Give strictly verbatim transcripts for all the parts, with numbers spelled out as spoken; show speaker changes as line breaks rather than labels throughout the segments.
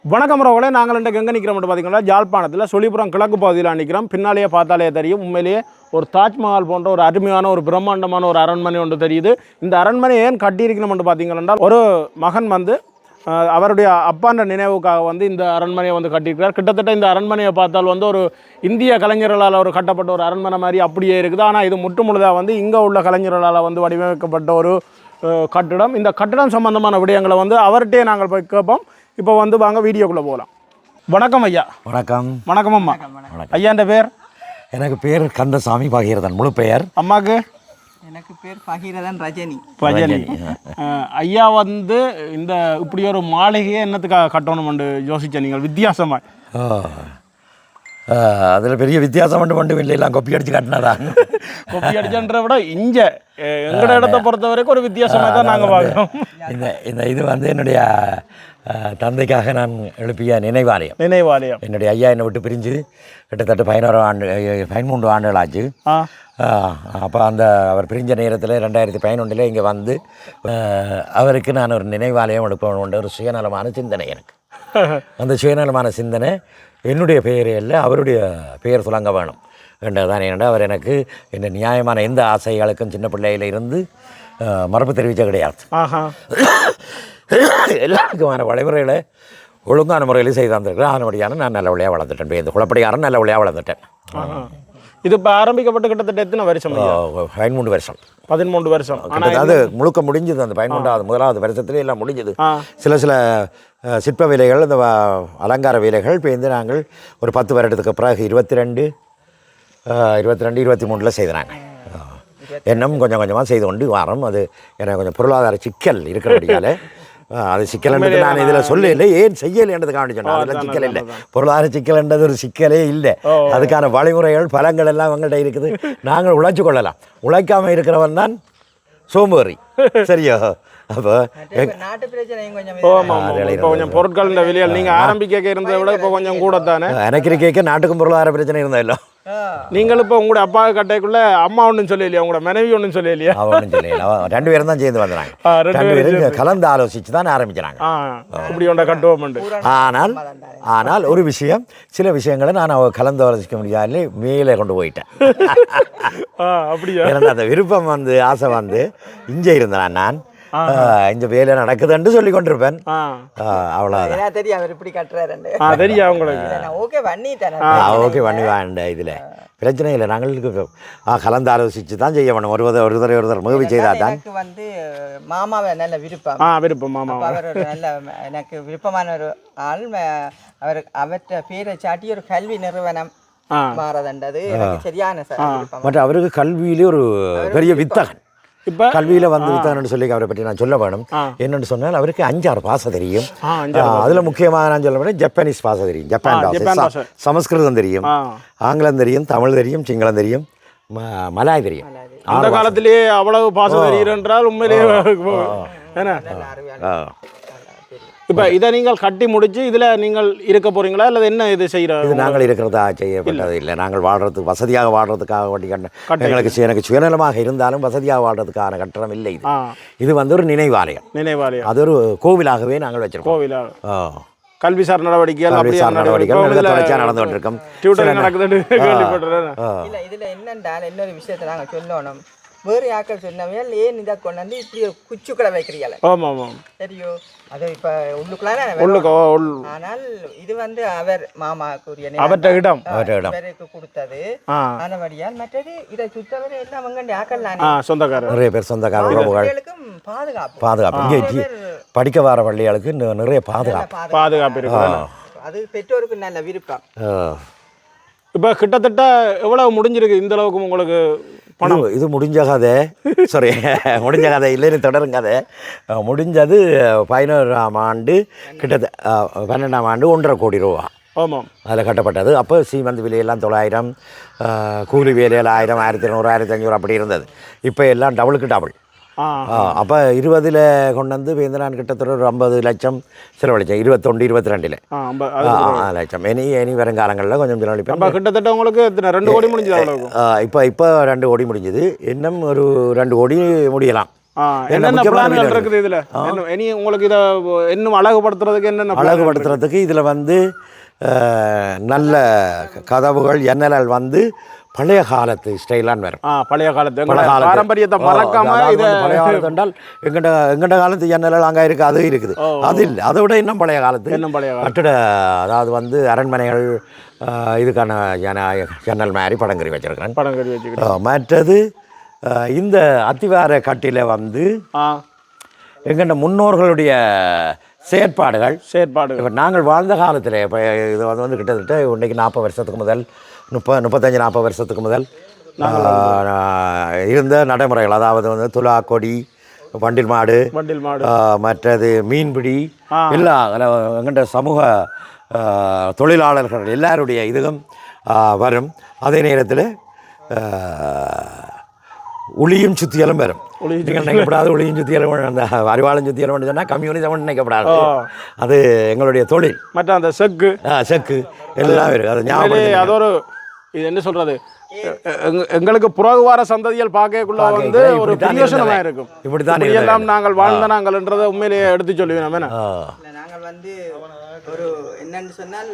வணக்கம் ரோகளே, நாங்கள் இன்றைக்கு எங்கே நிற்கிறோம் பார்த்தீங்கன்னா ஜாழ்ப்பாணத்தில் சொலிபுரம் கிழக்கு பகுதியில் நிற்கிறோம். பின்னாலேயே பார்த்தாலே தெரியும், உண்மையிலேயே ஒரு தாஜ்மஹால் போன்ற ஒரு அருமையான ஒரு பிரம்மாண்டமான ஒரு அரண்மனை ஒன்று தெரியுது. இந்த அரண்மனை ஏன் கட்டியிருக்கணும்னு பார்த்தீங்கன்னா, ஒரு மகன் வந்து அவருடைய அப்பான்ற நினைவுக்காக வந்து இந்த அரண்மனையை வந்து கட்டியிருக்கிறார். கிட்டத்தட்ட இந்த அரண்மனையை பார்த்தால் வந்து ஒரு இந்திய கலைஞர்களால் ஒரு கட்டப்பட்ட ஒரு அரண்மனை மாதிரி அப்படியே இருக்குது. ஆனால் இது முற்று முழுதாக வந்து இங்கே உள்ள கலைஞர்களால் வந்து வடிவமைக்கப்பட்ட ஒரு கட்டிடம். இந்த கட்டிடம் சம்பந்தமான விடயங்களை வந்து அவர்கிட்டே நாங்கள் போய் கேட்போம். இப்போ வந்து வாங்க வீடியோக்குள்ளே போகலாம். வணக்கம் ஐயா.
வணக்கம்.
வணக்கம் அம்மா. ஐயாண்ட பேர்?
எனக்கு பேர் கந்தசாமி பகீரதன், முழு பெயர்.
அம்மாவுக்கு?
எனக்கு பேர் பகீரதன் ரஜினி.
ரஜினி. ஐயா வந்து இந்த இப்படி ஒரு மாளிகையை என்னத்துக்காக கட்டணும்னு யோசிச்ச நீங்கள் வித்தியாசமாக?
அதில் பெரிய வித்தியாசம் மட்டும் மட்டும் இல்லை, எல்லாம் கொப்பி அடித்து காட்டினதா.
கொப்பி அடிச்சன்ற விட இங்கே எங்களோட இடத்த பொறுத்த வரைக்கும் ஒரு வித்தியாசமாக தான் நாங்கள் பார்க்குறோம்.
இந்த இந்த இது வந்து என்னுடைய தந்தைக்காக நான் எழுப்பிய நினைவாலயம்.
நினைவாலயம்.
என்னுடைய ஐயா என்னை விட்டு பிரிஞ்சு கிட்டத்தட்ட பதினோரு ஆண்டு பதிமூன்று ஆண்டுகள் ஆச்சு. அப்போ அந்த அவர் பிரிஞ்ச நேரத்தில் ரெண்டாயிரத்தி பதினொன்றில் இங்கே வந்து அவருக்கு நான் ஒரு நினைவாலயம் எழுப்பணுன்ற ஒரு சுயநலமான சிந்தனை எனக்கு. அந்த சுயநலமான சிந்தனை என்னுடைய பெயரே இல்லை, அவருடைய பெயர் துலங்க வேணும் என்றதான். ஏனென்றால் அவர் எனக்கு இந்த நியாயமான எந்த ஆசைகளுக்கும் சின்ன பிள்ளையில் இருந்து மரபு தெரிவித்த கிடையாது. எல்லாருக்குமான வழிமுறைகளை ஒழுங்கான முறையில் செய்து வந்திருக்கிறேன். அதனுடையான நான் நல்ல வழியாக வளர்ந்துட்டேன். இந்த குழப்படியாரன் நல்ல வழியாக வளர்ந்துட்டேன்.
இது இப்போ ஆரம்பிக்கப்பட்டு கிட்டத்தட்ட எத்தனை வருஷம்?
பதிமூன்று வருஷம்.
பதிமூன்று வருஷம்.
அது முழுக்க முடிஞ்சது. அந்த பதிமூன்றாவது முதலாவது வருஷத்துலேயே எல்லாம் முடிஞ்சது. சில சில சிற்ப வேலைகள், இந்த அலங்கார வேலைகள் பேர்ந்து நாங்கள் ஒரு பத்து வருடத்துக்கு பிறகு இருபத்தி ரெண்டு இருபத்தி ரெண்டு இருபத்தி மூணில் செய்தாங்க. இன்னும் கொஞ்சம் கொஞ்சமாக செய்து கொண்டு வரோம். அது எனக்கு கொஞ்சம் பொருளாதார சிக்கல் இருக்கிறபடியால் அது சிக்கல்ன்றது நான் இதில் சொல்லலை, ஏன் செய்யலைன்றதுக்காக சொன்னேன். அதெல்லாம் சிக்கல் இல்லை, பொருளாதார சிக்கல்ன்றது ஒரு சிக்கலே இல்லை. அதுக்கான வழிமுறைகள் பலங்கள் எல்லாம் அவங்கள்ட்ட இருக்குது. நாங்கள் உழைச்சி கொள்ளலாம். உழைக்காமல் இருக்கிறவன் தான் சோம்பேறி. சரியா? அப்போ
நாட்டு பிரச்சனையும்
கொஞ்சம் பொருட்கள் விலையால் நீங்கள் ஆரம்பிக்க இருந்ததை விட இப்போ கொஞ்சம் கூட தானே
எனக்கு கேட்க நாட்டுக்கும் பொருளாதார பிரச்சனை இருந்தால் இல்லை.
நீங்கள் இப்போ உங்களோட அப்பா கட்டைக்குள்ள அம்மா ஒன்றும் சொல்லலையா, உங்களோட மனைவி ஒன்றும் சொல்லலையா?
அவன் ஒன்றும் சொல்லல. ரெண்டு பேரும் தான் சேர்ந்து வந்துடுறாங்க. ரெண்டு பேரும் கலந்து ஆலோசித்து தான் ஆரம்பிக்கிறாங்க.
இப்படி ஒன்றை கட்டுவோம்.
ஆனால் ஆனால் ஒரு விஷயம், சில விஷயங்களை நான் அவ கலந்து ஆலோசிக்க முடியாது, மேலே கொண்டு போயிட்டேன்.
அப்படியா?
ஏன்னா அந்த விருப்பம் வந்து ஆசை வந்து இங்கே இருந்தேன். நான் இந்த வேலை நடக்குதுன்னு சொல்லி கொண்டிருப்பேன். அவ்வளோதான்
தெரியும். அவர் இப்படி கட்டுறாரு
தெரியும் அவங்களுக்கு.
ஓகே பண்ணிட்டேன்.
ஓகே பண்ணி வாண்ட. இதில் பிரச்சனை இல்லை. நாங்களுக்கு கலந்து ஆலோசித்து தான் செய்ய வேணும். ஒரு ஒரு தடவை ஒரு தடவை முகவி செய்தால் தான்.
எனக்கு வந்து மாமாவை நல்ல விருப்பம்.
ஆ விருப்பம். மாமா
அவர் ஒரு நல்ல எனக்கு விருப்பமான ஒரு ஆள். அவர் அவற்றை பேரை சாட்டி ஒரு கல்வி நிறுவனம் மாறதண்டது சரியான சார்.
மற்ற அவருக்கு கல்வியிலே ஒரு பெரிய வித்தகன். இப்போ கல்வியில் வந்து வித்தான்னு சொல்லி அவரை பற்றி நான் சொல்ல வேணும். என்னென்னு சொன்னால் அவருக்கு அஞ்சாறு பாசை தெரியும். அதில் முக்கியமாக நான் சொல்ல வேணும், ஜப்பானீஸ் பாசை தெரியும், ஜப்பான் பாசை, சமஸ்கிருதம் தெரியும், ஆங்கிலம் தெரியும், தமிழ் தெரியும், சிங்களம் தெரியும், மலாய் தெரியும்.
அந்த காலத்திலேயே அவ்வளவு பாசை தெரியும் என்றால் உண்மையிலேயே என்ன. இப்போ இதை நீங்கள் கட்டி முடிச்சு இதில் நீங்கள் இருக்க போகிறீங்களா இல்லை என்ன இது செய்கிறோம்?
இது நாங்கள் இருக்கிறதா செய்யப்பட்டது இல்லை. நாங்கள் வாழ்கிறதுக்கு வசதியாக வாழ்கிறதுக்காக வேண்டி கட்ட எங்களுக்கு எனக்கு சுயநலமாக இருந்தாலும் வசதியாக வாழ்கிறதுக்கான கட்டணம் இல்லை. இது இது வந்து ஒரு நினைவாலயம்.
நினைவாலயம் அது
ஒரு கோவிலாகவே நாங்கள் வச்சிருக்கோம்.
கோவிலாக கல்விசார் நடவடிக்கைகள்
கல்விசார் நடவடிக்கைகள் தொடர்ச்சியாக நடந்து கொண்டிருக்கோம்.
இதில் என்னென்றால் இன்னொரு விஷயத்தை நாங்கள் சொல்லணும். வேறு யாக்கள் சொன்னவையால் ஏன் இதை கொண்டு வந்து இப்படி ஒரு குச்சுக்களை வைக்கிறீங்களே.
ஆமாம் ஆமாம்
தெரியும். அது இப்போ உள்ளுக்குள்ளான. ஆனால் இது வந்து அவர் மாமாக்குரிய
அவற்ற இடம்
அவருக்கு கொடுத்தது. ஆனபடியால் மற்றது இதை சுத்தவரை எல்லாம் அவங்க யாக்கள்
சொந்தக்காரர் நிறைய பேர் சொந்தக்காரர்
உறவுகளுக்கும் பாதுகாப்பு
பாதுகாப்பு இங்கே படிக்க வர பள்ளிகளுக்கு நிறைய பாதுகாப்பு
பாதுகாப்பு இருக்கு.
அது பெற்றோருக்கு நல்ல விருப்பம்.
இப்போ கிட்டத்தட்ட எவ்வளவு முடிஞ்சிருக்கு இந்த அளவுக்கு உங்களுக்கு பணம்?
இது முடிஞ்ச கதை, சாரி முடிஞ்ச கதை இல்லைன்னு தொடரும் கதை. முடிஞ்சது பதினோராம் ஆண்டு, கிட்டத்தட்ட பன்னெண்டாம் ஆண்டு ஒன்றரை கோடி ரூபா.
ஆமாம்,
அதில் கட்டப்பட்டது. அப்போ சீமந்து விலையெல்லாம் தொள்ளாயிரம், கூலி வேலையில் ஆயிரம், ஆயிரத்தி இரநூறு, ஆயிரத்தி ஐநூறு அப்படி இருந்தது. இப்போ எல்லாம் டபுளுக்கு டபுள். அப்போ இருபதில் கொண்டு வந்து வேந்தனான் கிட்டத்தட்ட ஒரு ஐம்பது லட்சம் செலவழித்தேன். இருபத்தொண்டு இருபத்தி ரெண்டில் லட்சம். இனி இனி வருங்காலங்களில் கொஞ்சம் செலவழிப்பேன்.
கிட்டத்தட்ட உங்களுக்கு ரெண்டு கோடி முடிஞ்சது.
இப்போ இப்போ ரெண்டு கோடி முடிஞ்சது. இன்னும் ஒரு ரெண்டு கோடி முடியலாம்.
ஆ, என்னென்ன பிளான்கள் இருக்குது இதில் இனி உங்களுக்கு இதை இன்னும் அழகுபடுத்துறதுக்கு என்னென்ன
அழகுபடுத்துறதுக்கு இதில் வந்து அஹ், நல்ல கதவுகள் எண்ணல் வந்து பழைய காலத்து ஸ்டைலான்னு வரும்.
ஆ பழைய காலத்து
பழைய காலத்து
பாரம்பரியத்தை மறக்காம
அதாவது
இதை
வந்து பழைய காலத்து என்றால் எங்கட எங்கட காலத்து ஜன்னல் அங்கே இருக்குது, அது இருக்குது. அது இல்லை, அதை விட இன்னும் பழைய காலத்து
இன்னும் பழைய காலத்து
கட்டிட, அதாவது வந்து அரண்மனைகள் அஹ், இதுக்கான ஜன ஜன்னல் மாதிரி படங்கறி வச்சிருக்கிறேன்.
படம் கட்டி வச்சுக்கிறேன்.
மற்றது அஹ், இந்த அத்திவார கட்டில வந்து
ஆ
எங்கள்ட முன்னோர்களுடைய செயற்பாடுகள்
செயற்பாடு
இப்போ நாங்கள் வாழ்ந்த காலத்தில் இப்போ இது வந்து வந்து கிட்டத்தட்ட இன்றைக்கி நாற்பது வருஷத்துக்கு முதல் முப்ப முப்பத்தஞ்சு நாற்பது வருஷத்துக்கு முதல் ஆஹ், இருந்த நடைமுறைகள், அதாவது வந்து துலா கொடி, வண்டில் மாடு,
வண்டில் மாடு,
ஆஹ், மற்றது மீன்பிடி, எல்லா எங்கள்ட சமூக ஆஹ், தொழிலாளர்கள் எல்லாருடைய இதுவும் ஆஹ், வரும். அதே நேரத்தில் ஒளியும் சுத்தியலும் வரும். நீங்கள் நினைக்கப்படாது ஒளியும் சுத்தியலும், அந்த அறிவாளம் சுத்தியலும் சொன்னால் கம்யூனிசம் நினைக்கப்படாது. அது எங்களுடைய தொழில்.
மற்ற அந்த செக்கு
செக்கு எல்லாம் இருக்குது. அது ஞாபகம்.
அது ஒரு இது என்ன சொல்றது, எங்க- எங்களுக்கு புறகு வார சந்ததிகள் பார்க்கக்குள்ள வந்து ஒரு பிரயோசனமா இருக்கும்.
இப்படித்தான்
எல்லாம் நாங்கள் வாழ்ந்த நாங்கள்ன்றதை உண்மையிலேயே எடுத்து சொல்லுவேன். நம்ம என்ன
இல்ல, நாங்கள் வந்து ஒரு என்னன்னு சொன்னால்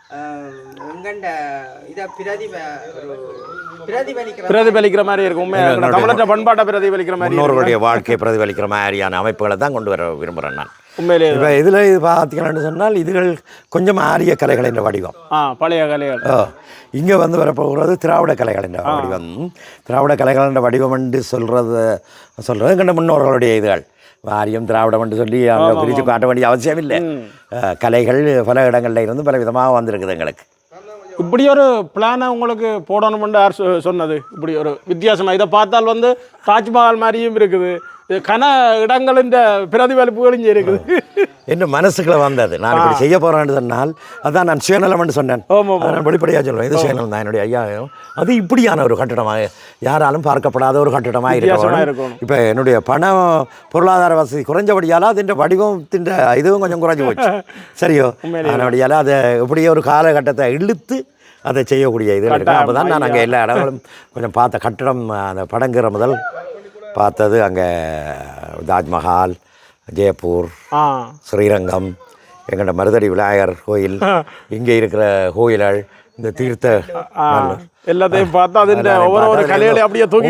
எங்கண்ட இதை பிரதிப ஒரு பிரதிபலிக்கிற
பிரதிபலிக்கிற மாதிரி இருக்கும். உண்மையாக தமிழற்ற பண்பாட்டை பிரதிபலிக்கிற மாதிரி
முன்னோர்களுடைய வாழ்க்கையை பிரதிபலிக்கிற மாதிரியான அமைப்புகளை தான் கொண்டு வர விரும்புகிறேன் நான்.
உண்மையிலேயே
இப்போ இதில் இது பார்த்தீங்கன்னு சொன்னால் இதுகள் கொஞ்சம் ஆரிய கலைகளின் வடிவம்.
ஆ பழைய கலைகள்.
இங்கே வந்து வரப்போகிறது திராவிட கலைகளின் வடிவம். திராவிட கலைகளின் வடிவம் என்று சொல்கிறது சொல்கிறது எங்கள்ட முன்னோர்களுடைய இதுகள். ஆரியம் திராவிடம் என்று சொல்லி அங்கே பிரித்து காட்ட வேண்டிய அவசியம் இல்லை. கலைகள் பல இடங்களில் இருந்து பல விதமாக வந்திருக்குது எங்களுக்கு.
இப்படி ஒரு பிளானை உங்களுக்கு போடணும்னு யார் சொ- சொன்னது? இப்படி ஒரு வித்தியாசமாக இதை பார்த்தால் வந்து தாஜ்மஹால் மாதிரியும் இருக்குது, இது கன இடங்களின் பிரதிபலிப்புகளும் இங்கே இருக்குது.
என்ன மனசுக்குள்ள வந்தது, நான் இப்படி செய்ய போகிறேன்னு சொன்னால் அதான் நான் சுயநலம்னு சொன்னேன். அதை நான் வெளிப்படையாக சொல்லுவேன், இது சுயநலம் தான். என்னுடைய ஐயா அது இப்படியான ஒரு கட்டிடமாக, யாராலும் பார்க்கப்படாத ஒரு கட்டிடமாக இருக்கணும். இப்போ என்னுடைய பணம் பொருளாதார வசதி குறைஞ்சபடியால் அதின் வடிவத்தின் இதுவும் கொஞ்சம் குறைஞ்சி போச்சு. சரியோ, அதனுடையால் அதை இப்படியே ஒரு காலகட்டத்தை இழுத்து அதை செய்யக்கூடிய இது இருக்குது. அப்போ தான் நான் அங்கே எல்லா இடங்களும் கொஞ்சம் பார்த்த கட்டிடம், அந்த படங்கிற முதல் பார்த்தது அங்கே தாஜ்மஹால், ஜெயப்பூர், ஸ்ரீரங்கம், எங்கள்ட மருதடி விநாயகர் கோயில், இங்கே இருக்கிற கோயில்கள், இந்த தீர்த்த
எல்லாத்தையும் பார்த்தா அதில் ஒவ்வொரு ஒரு கலைகளை அப்படியே தூக்கி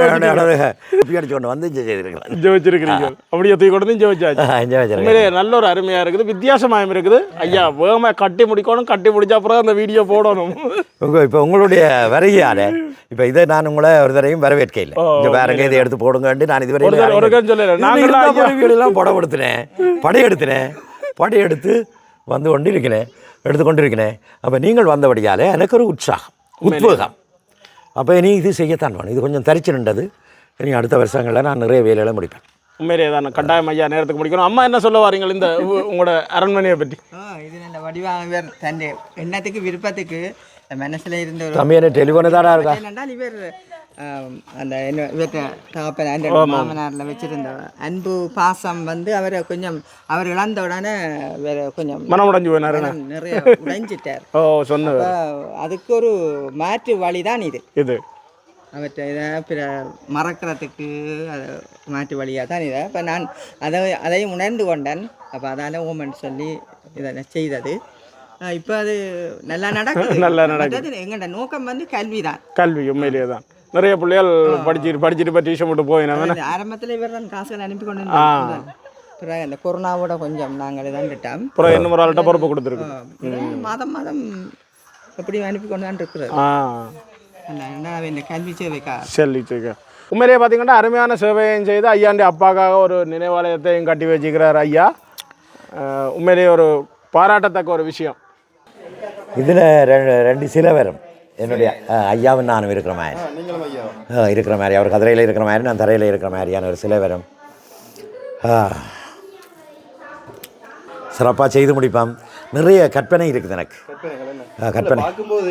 அடிச்சு கொண்டு வந்து செய்திருக்கலாம்.
வச்சிருக்கிறீங்க. அப்படியே தூக்கி கொண்டு வந்து வச்சாச்சு. உண்மையிலே நல்ல ஒரு அருமையாக இருக்குது, வித்தியாசமாகவும் இருக்குது. ஐயா வேகமாக கட்டி முடிக்கணும், கட்டி முடிச்ச அப்புறம் அந்த வீடியோ போடணும்.
உங்கள் இப்போ உங்களுடைய வருகையால் இப்போ இதை நான் உங்களை ஒரு தரையும் வரவேற்க இல்லை. இங்கே வேறங்க இதை எடுத்து போடுங்கன்ட்டு நான் இதுவரை
சொல்லல.
நாங்கள் படம் எடுத்தினேன், படையெடுத்தினேன், படையெடுத்து வந்து கொண்டு இருக்கிறேன், எடுத்துக்கொண்டு இருக்கிறேன். அப்போ நீங்கள் வந்தபடியால் எனக்கு ஒரு உற்சாகம், உத்வேகம். அப்போ இனி இது செய்யத்தான் வேணும். இது கொஞ்சம் தரிச்சு நின்றது. இனி அடுத்த வருஷங்களில் நான் நிறைய வேலைகளை முடிப்பேன்.
உண்மையிலே தான் கட்டாயம் ஐயா நேரத்துக்கு முடிக்கணும். அம்மா என்ன சொல்ல வாரீங்க இந்த உங்களோட அரண்மனையை பற்றி?
இது நல்ல வடிவாக தன் எண்ணத்துக்கு விருப்பத்துக்கு மனசில் இருந்த ஒரு
தம்பி என்ன டெலிஃபோனு தானே இருக்கா
என்னென்றால் இவர் அந்த என்ன இவர்கிட்ட தகப்பன் அந்த மாமனாரில் வச்சுருந்த அன்பு பாசம் வந்து அவரை கொஞ்சம் அவர் இழந்த உடனே வேற கொஞ்சம்
மனம் உடைஞ்சு போயினாரு,
நிறைய உடைஞ்சிட்டார்.
ஓ சொன்ன
அதுக்கு ஒரு மாற்று வழி தான் இது.
இது
அவற்றை இதை பிற மறக்கிறதுக்கு அது மாற்று வழியாக தான் இதை இப்போ நான் அதை அதையும் உணர்ந்து கொண்டேன். அப்போ அதால் ஓமன் சொல்லி இதை செய்தது. இப்போ அது நல்லா நடக்குது, நல்லா நடக்குது. எங்கள்ட நோக்கம் வந்து கல்வி தான்.
கல்வி உண்மையிலேயே தான். நிறைய பிள்ளைகள் படிச்சுட்டு படிச்சுட்டு இப்போ டியூஷன் போட்டு போயினாங்க.
ஆரம்பத்தில் இவர் தான் காசுகள் அனுப்பி கொண்டு வந்தாங்க. பிறகு அந்த கொரோனாவோட கொஞ்சம் நாங்கள் இதான்ட்டோம்.
அப்புறம் என்ன ஒரு ஆள்கிட்ட பொறுப்பு கொடுத்துருக்கு.
மாதம் மாதம் எப்படி அனுப்பி கொண்டு தான் இருக்கிறது. இந்த கல்வி சேவைக்கா
சரி சரி. உண்மையிலேயே பார்த்தீங்கன்னா அருமையான சேவையும் செய்து ஐயாண்டி அப்பாக்காக ஒரு நினைவாலயத்தையும் கட்டி வச்சுக்கிறார் ஐயா. உண்மையிலேயே ஒரு பாராட்டத்தக்க ஒரு விஷயம்.
இதில் ரெண்டு ரெண்டு சிலை வரும். என்னுடைய ஐயாவும் நானும் இருக்கிற மாதிரி இருக்கிற மாதிரி அவர் கதிரையில் இருக்கிற மாதிரி நான் தரையில் இருக்கிற மாதிரியான ஒரு சிலை வரும். சிறப்பாக செய்து முடிப்பான். நிறைய கற்பனை இருக்குது எனக்கு. கற்பனை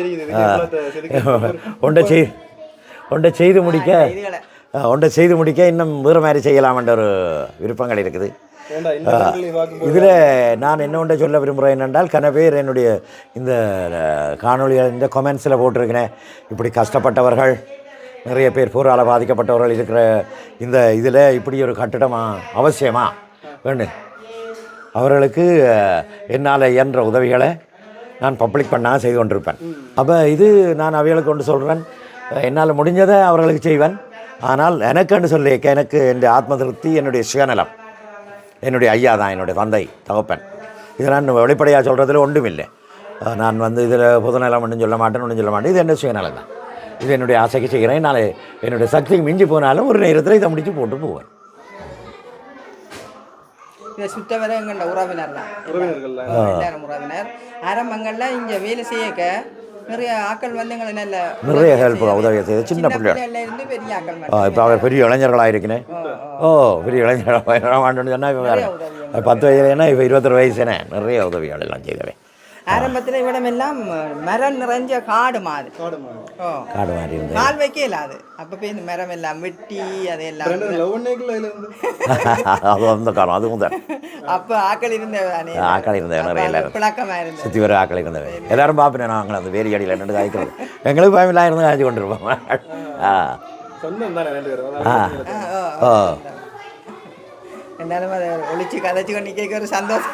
ஒன்றை செய் ஒன்றை செய்து முடிக்க ஒன்றை செய்து முடிக்க இன்னும் வேறு மாதிரி செய்யலாம்ன்ற ஒரு விருப்பங்கள் இருக்குது. இதில் நான் என்ன ஒன்றை சொல்ல விரும்புகிறேன் என்னென்றால், கன பேர் என்னுடைய இந்த காணொலிகள் இந்த கொமெண்ட்ஸில் போட்டிருக்கிறேன், இப்படி கஷ்டப்பட்டவர்கள் நிறைய பேர் போரால் பாதிக்கப்பட்டவர்கள் இருக்கிற இந்த இதில் இப்படி ஒரு கட்டிடமா அவசியமா வேணும். அவர்களுக்கு என்னால் இயன்ற உதவிகளை நான் பப்ளிக் பண்ணால் செய்து கொண்டிருப்பேன். அப்போ இது நான் அவைகளுக்கு கொண்டு சொல்கிறேன், என்னால் முடிஞ்சதை அவர்களுக்கு செய்வேன். ஆனால் எனக்குன்னு சொல்லி எனக்கு என்னுடைய ஆத்ம திருப்தி, என்னுடைய சுயநலம், என்னுடைய ஐயா தான், என்னுடைய தந்தை தகப்பன். இதை நான் வெளிப்படையாக சொல்கிறதுல ஒன்றும் இல்லை. நான் வந்து இதில் பொதுநலம் ஒன்றும் சொல்ல மாட்டேன், ஒன்றும் சொல்ல மாட்டேன். இது என்ன சுயநலம் தான். இது என்னுடைய ஆசைக்கு செய்கிறேன். நான் என்னுடைய சக்திக்கு மிஞ்சி போனாலும் ஒரு நேரத்தில் இதை முடித்து போட்டு போவேன்.
இதை சுத்த வர எங்களோட உறவினர் தான், எல்லாரும் உறவினர். ஆரம்பங்களில் இங்கே வேலை செய்யக்க நிறைய ஆக்கள் வந்து எங்களை நல்ல
நிறைய ஹெல்ப் உதவி செய்து சின்ன பிள்ளைகள்
இருந்து பெரிய ஆக்கள்
இப்போ அவர் பெரிய இளைஞர்களாக இருக்கிறேன். ஓ பெரிய இளைஞர்களாக வாண்டோன்னு சொன்னால் பத்து வயதுல ஏன்னா இப்போ இருபத்தொரு வயசுனே நிறைய உதவிகள் எல்லாம் செய்தவேன்.
ஆரம்பத்தில் இவிடமெல்லாம் மரம் நிறைஞ்ச காடு மாதிரி
காடு மாதிரி இருந்தது.
கால் வைக்க இல்லாது. அப்போ போய் இந்த மரம் எல்லாம் வெட்டி அதையெல்லாம்
அது அந்த காலம் அதுவும் தான்.
அப்போ ஆக்கள் இருந்தவ
ஆக்கள் இருந்தவ நிறைய எல்லாரும்
பிளக்கமாக இருந்தது.
சுற்றி வர ஆக்கள் இருந்தவ எல்லாரும் பார்ப்பேன். நாங்கள் அந்த வேரி அடியில் நின்று காய்க்கிறது எங்களுக்கு பயமில்லாம் இருந்து காய்ச்சி கொண்டிருப்போம். ஆ ஆ ஓ
என்னாலும் அதை ஒழிச்சு கதைச்சு கொண்டு கேட்க ஒரு சந்தோஷம்.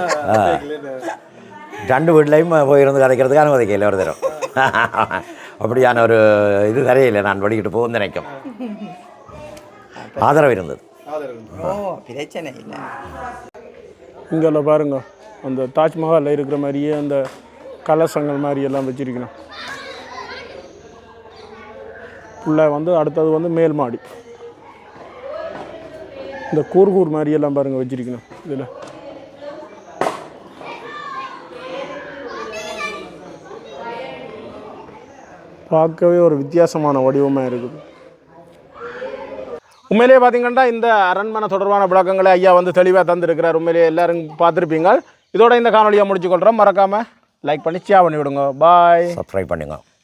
ரெண்டு வீட்லையும் போயிருந்து கதைக்கிறதுக்கு அனுமதிக்கல ஒரு தரம். அப்படியான ஒரு இது தரையில்லை. நான் படிக்கிட்டு போகும் நினைக்கும் ஆதரவு இருந்தது.
ஓ பிரச்சனை இல்லை.
இங்கே பாருங்க அந்த தாஜ்மஹாலில் இருக்கிற மாதிரியே அந்த கலசங்கள் மாதிரி எல்லாம் வச்சிருக்கணும். ஃபுல்லாக வந்து அடுத்தது வந்து மேல் மாடி இந்த கூர்கூர் மாதிரி எல்லாம் பாருங்கள் வச்சிருக்கணும். இதில் பார்க்கவே ஒரு வித்தியாசமான வடிவமாக இருக்குது. உண்மையிலேயே பார்த்தீங்கன்னா இந்த அரண்மனை தொடர்பான விளக்கங்களை ஐயா வந்து தெளிவாக தந்துருக்கிறார். உண்மையிலேயே எல்லாரும் பார்த்துருப்பீங்க. இதோட இந்த காணொலியை முடிச்சுக்கொள்கிறோம். மறக்காமல் லைக் பண்ணி ஷேர் பண்ணி விடுங்க. பாய்.
சப்ஸ்கிரைப் பண்ணுங்க.